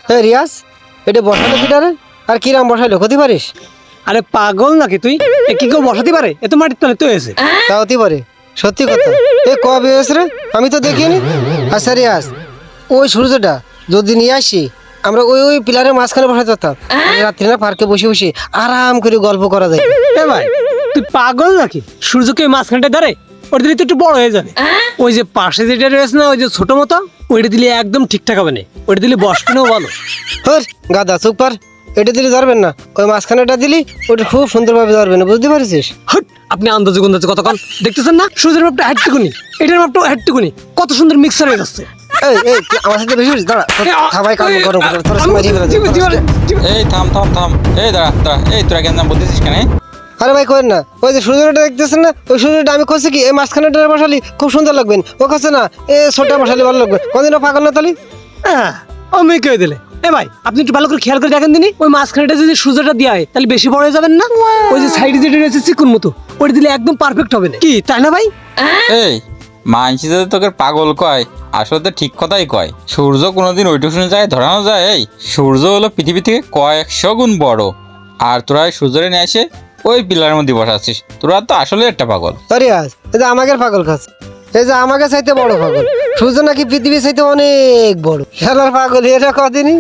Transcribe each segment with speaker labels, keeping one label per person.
Speaker 1: হ্যাঁ রিয়াজ, এটা বসালো কিটারে আর কিরাম বসাইলো ক্ষতি পারিস?
Speaker 2: আরে পাগল নাকি তুই? কি কেউ বসাতে পারে? এ তো মাটির তলে তো হয়েছে।
Speaker 1: তা হতে পারে, সত্যি কথা। এ কবে হয়েছে রে? আমি তো দেখিনি। আচ্ছা রিয়াজ, ওই সূর্যটা যদি নিয়ে আসি, আমরা ওই ওই পিলারের মাঝখানে বসাতে পারতাম। রাত্রি না পার্কে বসে বসে আরাম করে গল্প করা যায়।
Speaker 2: এ ভাই, তুই পাগল নাকি? সূর্যকে ওই মাঝখানটা ধরে ওটা দিলে তো একটু বড় হয়ে যাবে। ওই যে পাশে যেটা রয়েছে না, ওই যে ছোট মতো, ওইটা দিলে একদম ঠিকঠাক হবে না। ওইটা দিলে বসবেও ভালো।
Speaker 1: হর গাদা চুপ কর, এটা দিলে ধরবেন না। ওই মাঝখানেটা দিলি ওটা খুব সুন্দরভাবে ধরবে না, বুঝতে পারছিস?
Speaker 2: হট, আপনি আন্দাজে গুন্দাজে কতক্ষণ দেখতেছেন না? সূর্যের মাপটা হাইটটুকুনি, এটার মাপটাও হাইটটুকুনি, কত সুন্দর মিক্সার হয়ে যাচ্ছে।
Speaker 1: এই এই তুই আমার সাথে বেশি বেশি দাঁড়া, খাবাই কাম গরম করে তোর সময় দিয়ে
Speaker 3: এই থাম থাম থাম, এই দাঁড়া দাঁড়া, এই তোরা কেন বলতেছিস কেন?
Speaker 1: আরে ভাই করেন না, ওই যে সূর্যটা দেখতেছেন না, ওই সূর্যটা আমি খুঁজছি কি এই মাঝখানেটা বসালি খুব সুন্দর লাগবেন। ও কাছে না এ ছোটটা বসালি ভালো লাগবে। কোনদিনও পাগল না তালি?
Speaker 2: হ্যাঁ, ও মেয়ে কে দিলে? এ ভাই, আপনি একটু ভালো করে খেয়াল করে দেখেন দিনই, ওই মাঝখানেটা যদি সূর্যটা দেওয়া হয় তাহলে বেশি বড় হয়ে যাবেন না? ওই যে সাইডে যেটা রয়েছে চিকুন মতো, ওটা দিলে একদম পারফেক্ট হবে না, কি তাই না ভাই?
Speaker 3: এই মানসি যদি তোকে পাগল কয়, আসলে তো ঠিক কথাই কয়। সূর্য কোনোদিন ওইটুকুনি জায়গায় ধরানো যায়? এই সূর্য হলো পৃথিবী থেকে কয়েকশো গুণ বড়, আর তোরা এই সূর্যরে নিয়ে এসে ওই পিলারের মধ্যে বসাচ্ছিস। তোরা তো আসলে একটা পাগল।
Speaker 1: আরে আজ এই যে আমাকে পাগল খাচ্ছে, এই যে আমাকে চাইতে বড় পাগল। সূর্য নাকি পৃথিবী চাইতে অনেক বড়। খেলার পাগল এটা কদিনই।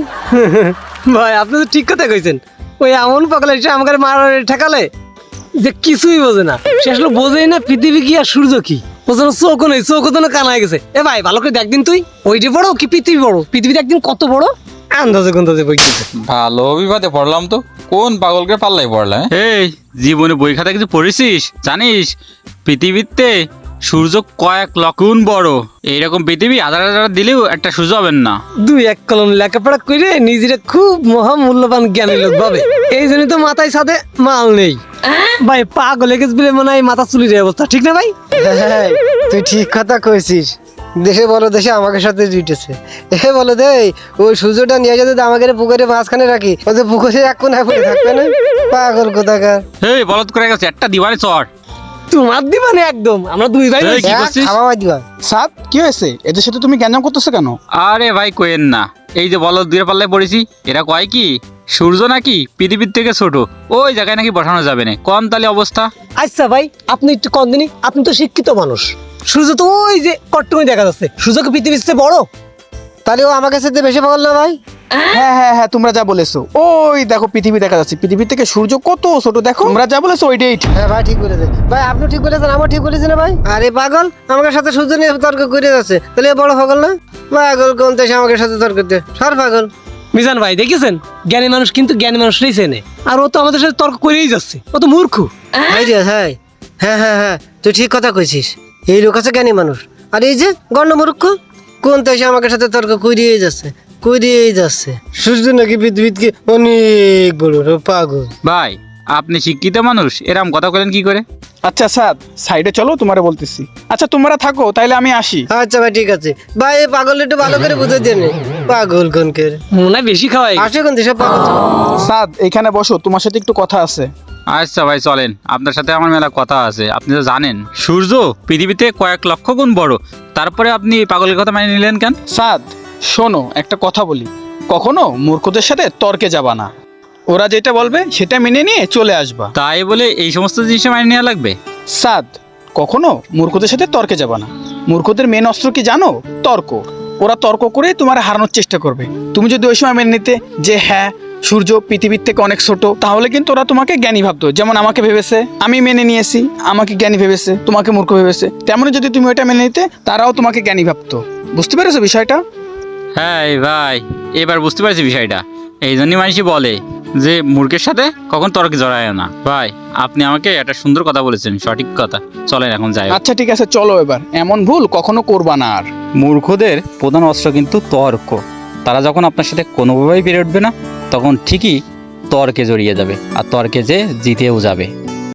Speaker 2: ভাই, আপনি তো ঠিক কথা কইছেন। ওই এমন পাগল এসে আমাকে মারার ঠেকালে যে কিছুই বোঝে না। সে আসলে বোঝেই না পৃথিবী কি আর সূর্য কি। বোঝানো চোখও নেই, চোখও তো কানা হয়ে গেছে। এ ভাই, ভালো করে দেখদিন তুই, ওইটা বড় কি পৃথিবী বড়? পৃথিবীতে একদিন কত বড় আন্দাজে গুন্দাজে বইতেছে।
Speaker 3: ভালো বিপদে পড়লাম তো, কোন পাগলকে পাল্লাই পড়লাম? এই জীবনে বই খাতা কিছু পড়েছিস? জানিস পৃথিবীতে সূর্য কয়েক লক্ষ গুণ বড়। এইরকম পৃথিবী হাজার হাজার দিলেও একটা সূর্য হবেন না।
Speaker 2: দুই এক কলম লেখাপড়া করে নিজেরা খুব মহামূল্যবান জ্ঞানী লোক ভাবে, এই জন্য তো মাথায় সাথে মাল নেই। ভাই পাগল হয়ে গেছে বলে মনে হয় মাথা চুলির অবস্থা, ঠিক না ভাই?
Speaker 1: হ্যাঁ, তুই ঠিক কথা কইছিস। দেশে বলো দেশে আমাকে সাথে জুটেছে। এ বলো দে, ওই সূর্যটা নিয়ে যদি আমাকে পুকুরে মাঝখানে রাখি, ওই যে পুকুরে এক কোনায় পড়ে থাকবে না? পাগল কোথাকার।
Speaker 3: এই বলদ করে গেছে একটা দিবারে চড়।
Speaker 2: তোমার দিবানে একদম, আমরা দুই ভাই।
Speaker 3: এই, কি করছিস?
Speaker 1: খাওয়া দিবা।
Speaker 4: সাদ, কি হয়েছে? এদের সাথে তুমি গ্যাঞ্জাম করতেছো কেন?
Speaker 3: আরে ভাই কোয়েন না, এই যে বলদ দূরে পাল্লায় পড়েছি, এরা কয় কি সূর্য নাকি পৃথিবীর থেকে ছোট, ওই জায়গায় নাকি বসানো যাবে না। কম তাহলে অবস্থা।
Speaker 2: আচ্ছা ভাই, আপনি একটু কম দিনই, আপনি তো শিক্ষিত মানুষ। সূর্য তো ওই যে কট্টুমি দেখা যাচ্ছে, সূর্যকে পৃথিবীর চেয়ে বড়।
Speaker 1: তাহলে ও আমাকে সাথে বেশি পাগল না ভাই?
Speaker 4: হ্যাঁ হ্যাঁ হ্যাঁ, তোমরা যা বলেছো, ওই দেখো পৃথিবী দেখা যাচ্ছে, পৃথিবী থেকে সূর্য কত ছোট দেখো। তোমরা যা বলেছো ওইটাই ঠিক।
Speaker 1: হ্যাঁ ভাই, ঠিক বলেছে ভাই, আপনি ঠিক বলেছেন, আমার ঠিক বলেছেন না ভাই? আরে পাগল আমাকে সাথে সূর্য নিয়ে তর্ক করে যাচ্ছে, তাহলে এ বড় পাগল না? পাগল কোন দেশে আমাকে সাথে তর্ক করতে? সর পাগল।
Speaker 2: মিজান ভাই দেখেছেন, জ্ঞানী মানুষ কিন্তু জ্ঞানী মানুষরাই চেনে, আর ও তো আমাদের সাথে তর্ক করেই যাচ্ছে, ও তো মূর্খ।
Speaker 1: ভাই রে, হ্যাঁ হ্যাঁ হ্যাঁ হ্যাঁ, তুই ঠিক কথা কইছিস। এই লোক আছে জ্ঞানী মানুষ, আর এই যে গণ্যমূর্খ কোন দেশে আমাকে সাথে তর্ক করিয়েই যাচ্ছে, করিয়েই যাচ্ছে। সূর্য নাকি পৃথিবীতে অনেক বড়। পাগল
Speaker 3: ভাই আপনি শিক্ষিত মানুষ, এরম কথা বলেন কি করে?
Speaker 4: আচ্ছা সাদ, সাইডে চলো, তোমারে বলতেছি। আচ্ছা তোমরা থাকো, তাইলে আমি আসি।
Speaker 1: আচ্ছা ভাই, ঠিক আছে ভাই। এই পাগল একটু ভালো করে বুঝে দেন। পাগল কোনকে
Speaker 2: মনে হয় বেশি খাওয়াই।
Speaker 1: আসে কোন দেশে পাগল?
Speaker 4: সাদ, এখানে বসো, তোমার সাথে একটু কথা আছে।
Speaker 3: আচ্ছা ভাই চলেন, আপনার সাথে আমার মেলা কথা আছে। আপনি তো জানেন সূর্য পৃথিবীতে কয়েক লক্ষ গুণ বড়, তারপরে আপনি এই পাগলের কথা মানে নিলেন কেন?
Speaker 4: সাদ শোনো, একটা কথা বলি, কখনো মূর্খদের সাথে তর্কে যাবা না। ওরা যেটা বলবে সেটা মেনে নিয়ে চলে আসবা।
Speaker 3: তাই বলে এই সমস্ত জিনিস মানে নেওয়া লাগবে?
Speaker 4: সাদ, কখনো মূর্খদের সাথে তর্কে যাবা না। মূর্খদের মেন অস্ত্র কি জানো? তর্ক। ওরা তর্ক করে তোমার হারানোর চেষ্টা করবে। তুমি যদি ওই সময় মেনে নিতে যে হ্যাঁ সূর্য পৃথিবীর থেকে অনেক ছোট, তাহলে কিন্তু ওরা তোমাকে জ্ঞানী ভাবতো। যেমন আমাকে ভেবেছে, আমি মেনে নিয়েছি, আমাকে জ্ঞানী ভেবেছে, তোমাকে মূর্খ ভেবেছে। তেমনই যদি তুমি ওইটা মেনে নিতে, তারাও তোমাকে জ্ঞানী ভাবতো। বুঝতে পেরেছো বিষয়টা?
Speaker 3: হ্যাঁ ভাই, এবার বুঝতে পারছি বিষয়টা। এই জন্যই মানুষই বলে যে মূর্খের সাথে কখন তর্কে জড়ায় না। ভাই আপনি আমাকে একটা সুন্দর কথা বলেছেন, সঠিক কথা। চলেন এখন যাই।
Speaker 4: আচ্ছা ঠিক আছে, চলো এবার। এমন ভুল কখনো করবা না আর।
Speaker 3: মূর্খদের প্রধান অস্ত্র কিন্তু তর্ক। তারা যখন আপনার সাথে কোনোভাবেই পেরে উঠবে না, তখন ঠিকই তর্কে জড়িয়ে যাবে, আর তর্কে যে জিতেও যাবে।